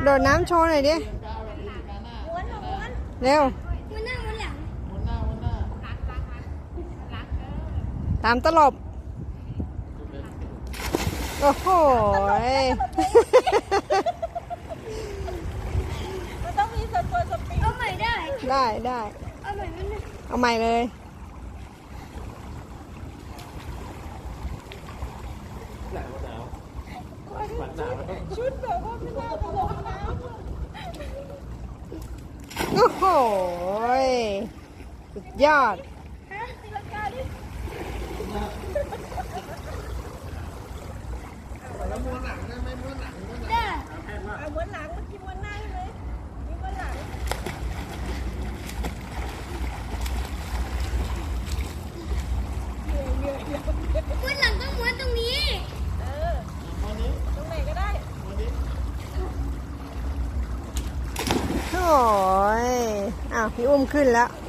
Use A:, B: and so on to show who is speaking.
A: โดดน้ำโชว์หน่อยดิเร็วตามตลบโอ้โห
B: มันต้องมีสปอยสปีดเอาใหม่ได้
A: เอาใหม่เลย
B: ชุดแบบว่าไม่น่าไปลงน้ำ
A: โอ้โหสุดยอด
B: ตีลังกาดิแล้วม้วนหลังได้ไหมม้วนหลังได้ม้วนหลังเมื่อกี้ม้วนหน้าใช่ไหมนี่ม้วนหลัง
C: ม้วนหลังก็ม้วนตรงนี้
B: ตรงไหนก็ได้
A: โอ้ยอ้าวพี่อุ้มขึ้นแล้ว